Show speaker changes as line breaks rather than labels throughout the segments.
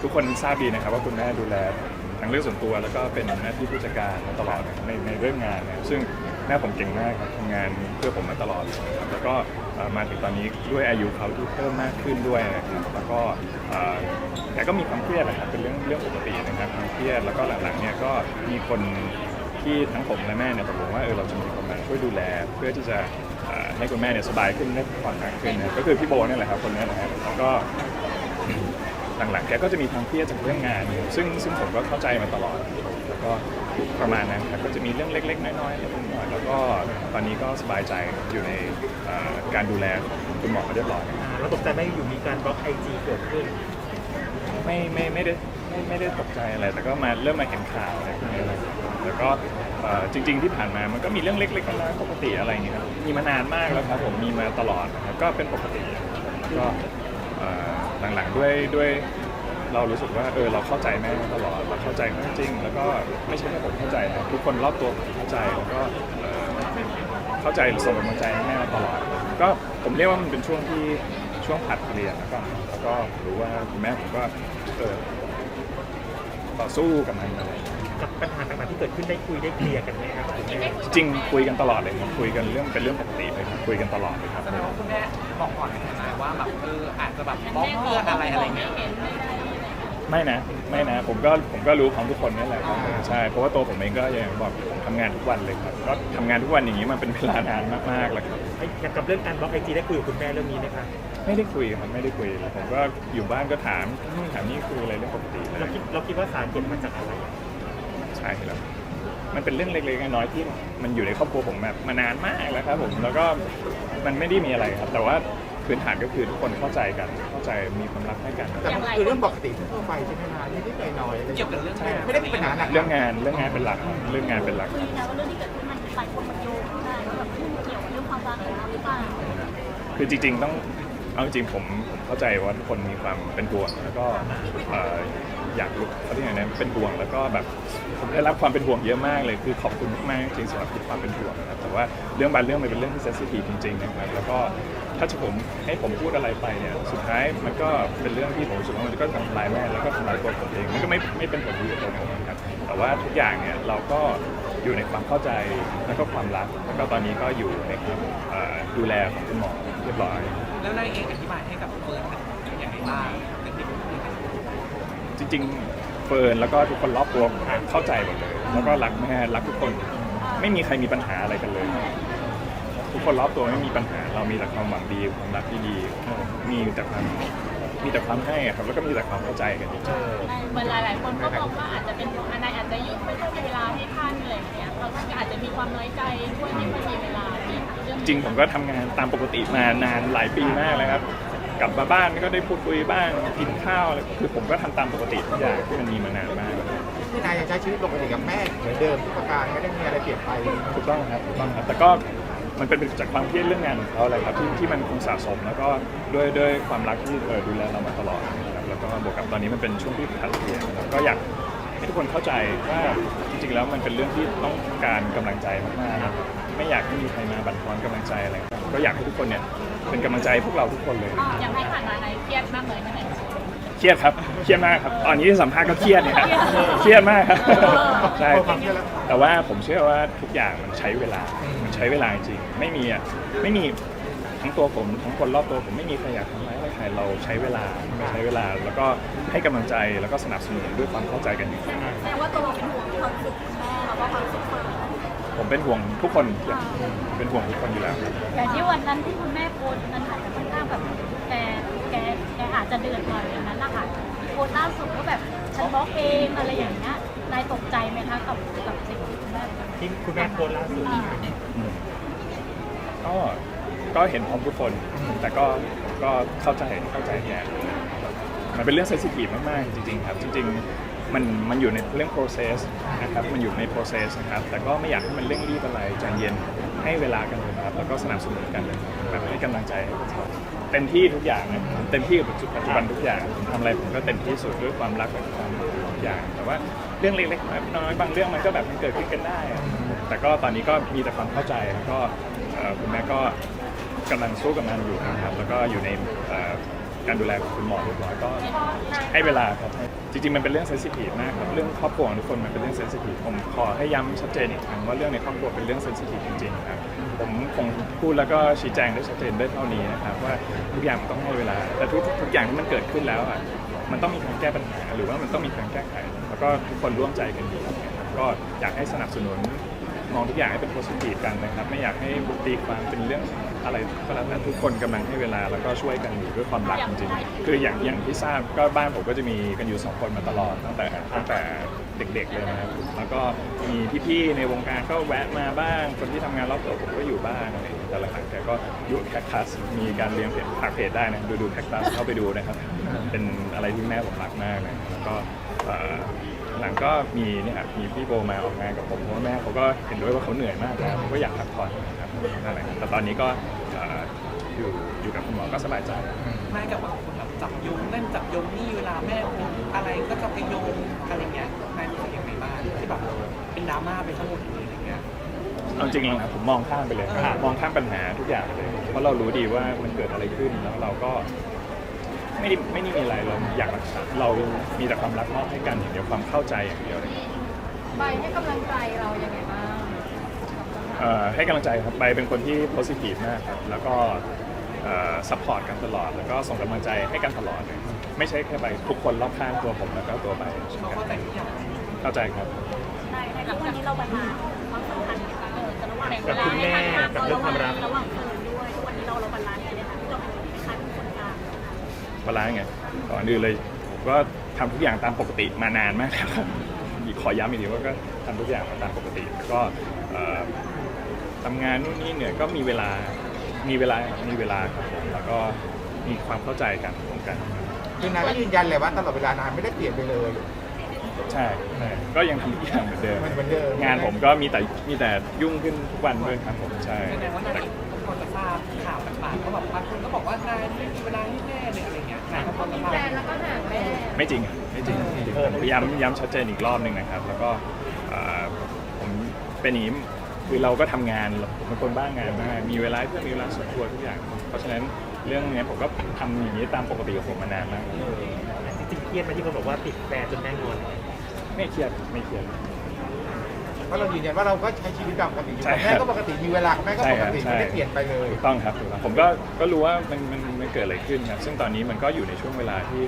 กคนทราบดีนะครับว่าคุณแม่ดูแลทั้งเรื่องส่วนตัวแล้วก็เป็นหน้าที่ผู้จัดการมาตลอดในเรื่องงานนะซึ่งแม่ผมเก่งมากครับทำงานเพื่อผมมาตลอดครับแล้วก็มาถึงตอนนี้ด้วยอายุเขาที่เพิ่มมากขึ้นด้วยนะครับแล้วก็แกก็มีความเครียดนะครับเป็นเรื่องปกตินะครับความเครียดแล้วก็หลังๆเนี่ยก็มีคนที่ทั้งผมและแม่เนี่ยตกลงว่าเราจะมีคนมาช่วยดูแลเพื่อที่จะให้คุณแม่เนี่ยสบายขึ้นได้ผ่อนหนักขึ้นนะก็คือพี่โบนี่แหละครับคนนี้นะครับแล้วก็หลังๆแกก็จะมีความเครียดจากเรื่องงานซึ่งผมก็เข้าใจมาตลอดแล้วก็ประมาณนั้นครับก็จะมีเรื่องเล็กๆน้อยๆเล็กน้อยแล้วก็ตอนนี้ก็สบายใจอยู่ในการดูแลของคุณหมอเรียบร้อย
เราตกใจไหมอยู่มีการบล็อกไอจีเกิดขึ้น
ไม่ได้ตกใจอะไรแต่ก็เริ่มมาเห็นข่าวอะไรพวกนี้แล้วแล้วก็จริงๆที่ผ่านมามันก็มีเรื่องเล็กๆน้อยๆปกติอะไรอย่างเงี้ยครับมีมานานมากแล้วครับผมมีมาตลอดนะครับก็เป็นปกติแล้วก็หลังๆด้วยเรารู้สึกว่าเราเข้าใจแม่ตลอดเราเข้าใจแม่จริงแล้วก็ไม่ใช่แค่ผมเข้าใจนะทุกคนรอบตัวผมเข้าใจแล้วก็เข้าใจส่งกำลังใจให้แม่มาตลอดก็ผมเรียกว่ามันเป็นช่วงผัดเปลี่ยนแล้วก็รู้ว่าคุณแม่ผมก็ต่อสู้กับมันอะไร
กับปัญหาต่างๆที่เกิดขึ้นได้คุยได้เคลียร์กันไหมครับคุณแม่
จริงคุยกันตลอดเลยครับคุยกันเป็นเรื่องปกติเลยครับคุยกันตลอดเลยครับ
แสดงว่าคุณแม่บอกก่อนนะว่าแบบอาจจะแบบบล็อกเพื่ออะไรเงี้ย
ไม่นะผมก็รู้ของทุกคนนี่แหละครับใช่เพราะว่าตัวผมเองก็อย่างบอกผมทำงานทุกวันเลยครับก็ทำงานทุกวันอย่างนี้มาเป็นเวลานานมากๆแล้วครับ
กับเรื่องการบล็อกไอจีได้คุยกับคุณแม่เรื่องนี้ไหมครับ
ไม่ได้คุยครับไม่ได้คุยผมก็อยู่บ้านก็ถามนู่นถามนี่คุยอะไรเรื่องปกติเลย
เราคิดว่าสาเหตุมาจากอะไร
ใช่ครับมันเป็นเรื่องเล็กๆน้อยๆที่มันอยู่ในครอบครัวผมแบบมานานมากแล้วครับผมแล้วก็มันไม่ได้มีอะไรครับแต่ว่าพื้นฐานก็คือทุกคนเข้าใจกันเข้าใจมีความรักให้กัน
แต่มันคือเรื่องปกติทั่วไปใช่ไหมคะนิดๆหน่อยๆ
เกี่ยวกับเรื่อง
ไม่ได้มีปัญหาหนัก
เรื่องงานเป็นหลักเรื่องงานเป็นหลัก
คุยนะว่าเรื่องที่เกิดขึ้นมันหลายคนมันโยงได้ว่าแบบเกี่ยวกับเรื่องความรักของเราหรือเปล่า
คือจริงๆต้องเอาจริงผมเข้าใจว่าทุกคนมีความเป็นห่วงแล้วก็อยากรู้เขาที่ไหนนั้นเป็นห่วงแล้วก็แบบผมได้รับความเป็นห่วงเยอะมากเลยคือขอบคุณมากๆจริงๆสำหรับทุกความเป็นห่วงนะครับแต่ว่าเรื่องบางเรื่องมันเป็นเรื่องที่เซนซิทีฟจริงๆนะครับแล้วก็ถ้าจะให้ผมพูดอะไรไปเนี่ยสุดท้ายมันก็เป็นเรื่องที่ผมรู้สึกว่ามันก็ทำลายแม่แล้วก็ทำลายตัวผมเองมันก็ไม่เป็นผลดีกับตัวผมนะครับแต่ว่าทุกอย่างเนี่ยเราก็อยู่ในความเข้าใจแล้วก็ความรักแล้วก็ตอนนี้ก็อยู่ในความดูแลของคุณหมอเรียบร้อย
แล้วนายเองอธิบายให้กับเฟิร์นอย่างไรบ้าง
จริงๆเฟิร์นแล้วก็ทุกคนรอบตัวเข้าใจหมดเลยแล้วก็รักแม่รักทุกคนไม่มีใครมีปัญหาอะไรกันเลยทุกคนรอบตัวไม่มีปัญหาเรามีแต่ความหวังดีความรักที่ดีมีแต่ความให้ครับแล้วก็มีแต่ความเข้าใจกันจริง
ๆเหมือนหลายๆคนก็บอกว่าอาจจะเป็นอันใดอาจจะยุ่งไม่ค่อยมีเวลาให้ท่านอะไรอย่างเงี้ยเราก็อาจจะมีความน้อยใจด้วยไม่ค่อยมีเวลา
จริงผมก็ทำงานตามปกติมานานหลายปีมากเลยครับกลับมาบ้านก็ได้พูดคุยบ้างกินข้าวอะไรคือผมก็ทำตามปกติทุกอย่างที่มันมีมานานมาก
พี่นายยังใช้ชีวิตปกติกับแม่เหมือนเดิมทุกประการไม่ได้มีอะไรเปลี่ยนไป
ถูกต้องครับแต่ก็มันเป็นจากความเครียดเรื่องงานของเขาอะไรครับที่มันคงสะสมแล้วก็ด้วยความรักที่ดูแลเรามาตลอดนะครับแล้วก็บวกกับตอนนี้มันเป็นช่วงที่ผันเปลี่ยนก็อยากให้ทุกคนเข้าใจว่าจริงๆแล้วมันเป็นเรื่องที่ต้องการกำลังใจมากๆนะไม่อยากให้มีใครมาบั่นทอนกำลังใจอะไรก็อยากให้ทุกคนเนี่ยเป็นกำลังใจพวกเราทุกคนเลย
อยากให้ผ่านมาในเครียดมากเลยไหม
เครียดครับเครียดมากครับตอนนี้ที่สัมภาษณ์ก็เครียดเนี่ยครับเครียดมากครับใช่แต่ว่าผมเชื่อว่าทุกอย่างมันใช้เวลาจริงไม่มีทั้งตัวผมทั้งคนรอบตัวผมไม่มีใครอยากทำร้ายใครเราใช้เวลาแล้วก็ให้กำลังใจแล้วก็สนับสนุนด้วยความเข้าใจกันอยู่
แสดงว่าตัวเราเป็นห่วงความรู้สึกแม่แล้วก็ความรู้สึกเฟิร์น
ผมเป็นห่วงทุกคนเป็นห่วงทุกคนอยู่แล้ว
อย่างที่วันนั้นที่คุณแม่โพสต์นั้นอาจจะค่อนข้างแบบแกอาจจะเดือดหน่อยอย่างนั้นแหละค่ะโพสต์ล่าสุดก็แบบฉันบล็อกเองอะไรอย่างเงี้ยนายตกใจไหมคะกับสิ่งที่คุณแม่
โพสต์ล่าสุด
ก็เห็นพร้อมทุกคนแต่ก็เข้าใจแย่มันเป็นเรื่องเซนซิทีฟมากๆจริงๆครับจริงๆมันอยู่ในเรื่อง process นะครับมันอยู่ใน process นะครับแต่ก็ไม่อยากให้มันเร่งรีบอะไรใจเย็นให้เวลากันเลยครับแล้วก็สนับสนุนกันเลยแบบให้กำลังใจให้กันเต็มที่ทุกอย่างนะเต็มที่กับปัจจุบันทุกอย่างผมทำอะไรผมก็เต็มที่สุดด้วยความรักและความทุกอย่างแต่ว่าเรื่องเล็กๆน้อยๆบางเรื่องมันก็แบบมันเกิดขึ้นกันได้แต่ก็ตอนนี้ก็มีแต่ความเข้าใจแล้วก็คุณแม่ก็กำลังสู้กับมันอยู่นะครับแล้วก็อยู่ในการดูแลของคุณหมอเรียบร้อยก็ให้เวลาครับจริงๆมันเป็นเรื่องเซนซิทีฟมากครับเรื่องครอบครัวของทุกคนมันเป็นเรื่องเซนซิทีฟผมขอให้ย้ำชัดเจนอีกครั้งว่าเรื่องในครอบครัวเป็นเรื่องเซนซิทีฟจริงๆครับผมคงพูดแล้วก็ชี้แจงได้ชัดเจนได้เท่านี้นะครับว่าทุกอย่างมันต้องให้เวลาแต่ทุกอย่างที่มันเกิดขึ้นแล้วอ่ะมันต้องมีการแก้ปัญหาหรือว่ามันต้องมีการแก้ไขแล้วก็ทุกคนร่วมใจกันดีครับก็อยากให้สนับสนุนมองทุกอย่างให้เป็นโพสิทีฟกันนะครับไม่อยากให้ตีความเป็นเรื่องอะไรก็แล้วแต่ทุกคนกำลังให้เวลาแล้วก็ช่วยกันอยู่ด้วยความรักจริงๆคืออย่างที่ทราบก็บ้านผมก็จะมีกันอยู่2คนมาตลอดตั้งแต่เด็กๆเลยนะครับแล้วก็มีพี่ๆในวงการก็แวะมาบ้างคนที่ทำงานรอบตัวผมก็อยู่บ้างอะไรแต่หลังๆแกก็อยู่แคคตัสมีการเลี้ยงเพจได้นะดูแคคตัสเข้าไปดูนะครับเป็นอะไรที่แม่ผมรักมากนะแล้วก็หลังก็มีเนี่ยครับมีพี่โบมาออกงานกับผมเพราะว่าแม่เขาก็เห็นด้วยว่าเขาเหนื่อยมากแล้วผมก็อยากพักผ่อนนะครับนั่นแหละแต่ตอนนี้ก็อยู่กับคุณหมอก็สบายใจ
แม่กับบางคนแบบจับโยงเล่นจับโยงนี่เวลาแม่โพสต์อะไรก็จะไปโยงอะไรเงี้ยแม่รู้สึกยังไงบ้างที่แบบเป็นดราม่าไปทั้งหมดเลยอะไรเงี้ย
เอาจริงๆนะผมมองข้ามไปเลยมองข้ามปัญหาทุกอย่างเลยเพราะเรารู้ดีว่ามันเกิดอะไรขึ้นแล้วเราก็ไม่ได้มีอะไรเราอยากรักษาเรามีแต่ความรักมอบให้กันอย่างเดียวความเข้าใจอย่างเดียวเลย
ใบให้กำลังใจเรายังไงบ้าง
ให้กำลังใจครับใบเป็นคนที่โพสิทีฟมากครับแล้วก็ซัพพอร์ตกันตลอดแล้วก็ส่งกำลังใจให้กันตลอดเลยไม่ใช่แค่ใบทุกคนรอบข้างตัวผมแล้วก็ตัวใบ
เขาเข้าใจทุกอย่าง
เข้าใจครับ
ในทุกวันนี้เราบาลานซ์ความสัมพันธ์กันจะระหว่าง
กับคุณแม่กับเรื่องความรัก
ระหว่างเฟิร์นด้วยทุกวันนี้เราบาลานซ์กันเลยค่ะที่เราเป็นคล้ายๆคนกลาง
บาลานซ์ไงก่อนอื่นเลยผมก็ทำทุกอย่างตามปกติมานานมากแล้วครับขอย้ำอีกทีว่าก็ทำทุกอย่างตามปกติแล้วก็ทำงานนู่นนี่เนี่ยก็มีเวลาครับผมแล้วก็มีความเข้าใจกันตรงกัน
คือนายก็ยืนยันเลยว่าตลอดเวลานายไม่ได้เปลี่ยนไปเลย
ใช่ก็ยังทำทุกอย่างเหมือนเดิม
มันเหมือนเดิม
งานผมก็มีแต่ยุ่งขึ้นทุกวันด้วยครับผมใช่
แสดงว่านายทุกคนจะทราบข่าวต่างๆก็แบบบางคนก็บอกว่านายไม่มีเวลาให้แม่เลยอะไรเงี้ยนายก็พอจะทราบ
แล้วก็ห่างแม่
ไม่จริงผมย้ำชัดเจนอีกรอบหนึ่งนะครับแล้วก็ผมเป็นอย่างนี้คือเราก็ทำงานผมเป็นคนบ้างานมากมีเวลาเพื่อมีเวลาส่วนตัวทุกอย่างเพราะฉะนั้นเรื่องนี้ผมก็ทำอย่างนี้ตามปกติของผมมานานมาก
จริงๆเครียดไหมที่คนบอกว่าติดแฟนจนแม่งอน
ไม่เครียด
เพราะเรายืนยันว่าเราก็ใช้ชีวิตตามปกติอยู่
ใช่ครับ
แม่ก็ปกติมีเวลาของแม่ก็ปกติ
ใช่
ไม่ได้เปลี่ยนไปเลย
ถูกต้องครับถูกต้องผมก็รู้ว่ามันเกิดอะไรขึ้นครับซึ่งตอนนี้มันก็อยู่ในช่วงเวลาที่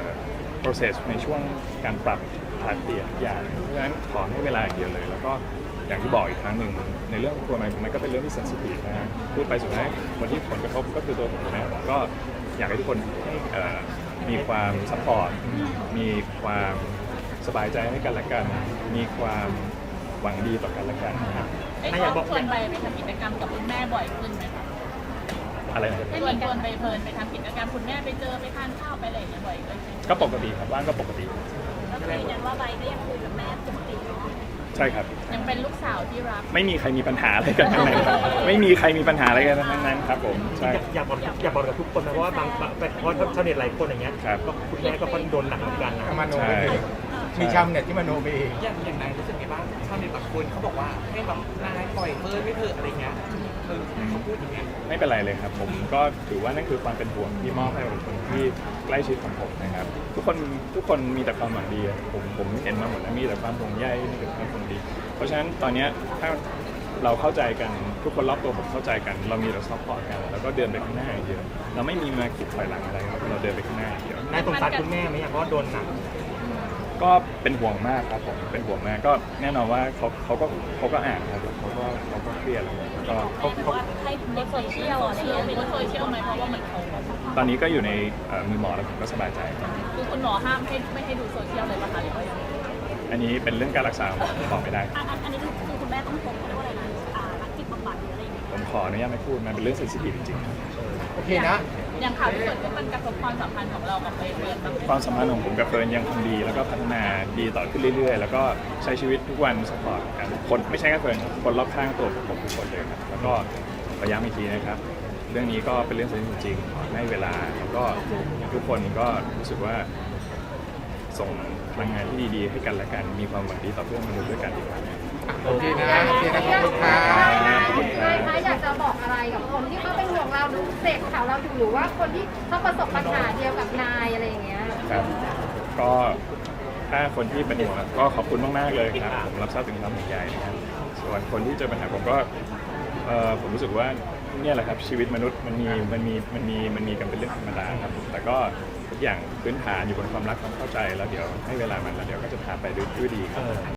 process ในช่วงการปรับผลัดเปลี่ยนทุกอย่างเพราะฉะนั้นขอให้เวลาอย่างเดียวเลย แล้วก็อย่างที่บอกอีกครั้งหนึ่งในเรื่องของตัวมันก็เป็นเรื่องที่ sensitive นะฮะพูดไปสุดท้ายคนที่ผลกระทบก็คือตัวผมนะผมก็อยากให้ทุกคนมีความ support มีความสบายใจให้กันและกัน มีความหวังดีต่อกันและกันนะครับ
ถ้าอยากบอก
ชวนไปทำกิจกรรมกับคุณแม่บ่อยขึ้นไหมคะ
อะไรนะครับ
ชวนไปเพลินไปทำกิจกรรมคุณแม่ไปเจอไปทานข้าวไปอะไรอย่างเงี้ยบ่อยขึ้นไหม
ก็ปกติครับว่างก็ปกติ
แล้วก็ยืนยันว่าใบก็ยังคุยกับแม่ปกติเนาะ
ใช่ครับ
ยังเป็นลูกสาวที่รัก
ไม่มีใครมีปัญหาอะไรกันทั้งนั้นครับไม่มีใครมีปัญหาอะไรกันทั้งนั้นครับผมใช่
อยากบอกกับทุกคนนะเพราะว่าบางเพราะชาวเน็ตหลายคนอย่างเงี้ย
ครับ
ก็คุณแม่ก็ค่อนโดนหนักเหมือนกันนะ
มโนไปเองมีชาวเน็ตที่มโนไปเอง
อย่างนายรู้สึกไงบ้างชาวเน็ตบางคนเขาบอกว่าให้แบบนายปล่อยเฟิร์นไม่เถอะอะไรเงี้ยเขาพูดอย่างเงี้ย
ไม่เป็นไรเลยครับผมก็ถือว่านั่นคือความเป็นห่วงที่มอบให้กับคนที่ใกล้ชิดของผมนะครับทุกคนมีแต่ความหวังดีอะผมเห็นมาหมดแล้วมีแต่ความห่วงใยมีแต่ความห่วงดี เพราะฉะนั้นตอนเนี้ยถ้าเราเข้าใจกันทุกคนรอบตัวผมเข้าใจกัน เรามีแต่ซัพพอร์ตกันแล้วก็เดินไปข้างหน้าอย่างเดียวเราไม่มีมาขีดถอยหลังอะไรครับเราเดินไปข้างหน้าอย่างเดียวน
ายสงสารคุณแม่ไหมอะเพราะว่าโดนหนัก
ก็เป็นห่วงมากครับผมเป็นห่วงมากก็แน่นอนว่าเขาก็อ่านครับเขาก็เครียดแล้วก็
เขาให้ในโซเชียลอะไรอย่างเงี้ย
เป็นโซเชียลไหมเพราะว่ามันเขา
ตอนนี้ก็อยู่ในมือหมอแล้วผมก็สบายใจครับ
คือคุณหมอห้ามไม่ให้ดูโซเชียลเลยป่ะคะหรือว่ายังไง
อันนี้เป็นเรื่องการรักษาของผมบอกไม่ได้
อันนี้คือคุณแม่ต้องพบเขาเรียกว่าอะไรนะนักจิตบำบัดหรืออะไรอย่างเงี้ย
ผมขออนุญาตไม่พูดมันเป็นเรื่องเซนซิทีฟจริงๆครับ
โอเคนะ
อย่างข่าวที่เกิดขึ้นมันกระทบความสัมพันธ์ของเรากับเฟิร์นบ้างไหม
ความสัมพันธ์ของผมกับเฟิร์นยังคงดีแล้วก็พัฒนาดีต่อขึ้นเรื่อยๆ แล้วก็ใช้ชีวิตทุกวันสปอร์ตกันคนไม่ใช่แค่เฟิร์นครับคนรอบข้างตัวผมทุกคนเลยครับแล้วก็พยายามอีกทีนะครับ เรื่องนี้ก็เป็นเรื่องสำคัญจริงๆขอให้เวลาแล้วก็ทุกคนก็รู้สึกว่าส่งพลังงานที่ดีๆให้กันและกันมีความหวังดีต่อเพื่อนมนุษย์ด้วยกันดีกว่า
โอเคนะ โอเคนะขอบคุณครับ
ขอบคุณครับ
อยากจะบอกอะไรกับคนที่เขาเป็นห่วงเราหรือ
เสพข่าวเราอยู่หรือว่าคนที่เขาประสบปัญหาเดียวกับนายอะไรอย่างเงี้ย
ครับก็ถ้าคนที่เป็นห่วงก็ขอบคุณมากๆเลยครับผมรับทราบถึงความห่วงใยนะครับส่วนคนที่เจอปัญหาผมก็ผมรู้สึกว่าเนี่ยแหละครับชีวิตมนุษย์มันมีกันเป็นเรื่องธรรมดาครับแต่ก็ทุกอย่างพื้นฐานอยู่บนความรักความเข้าใจแล้วเดี๋ยวให้เวลามันแล้วเดี๋ยวก็จะผ่านไปด้วยดีครับ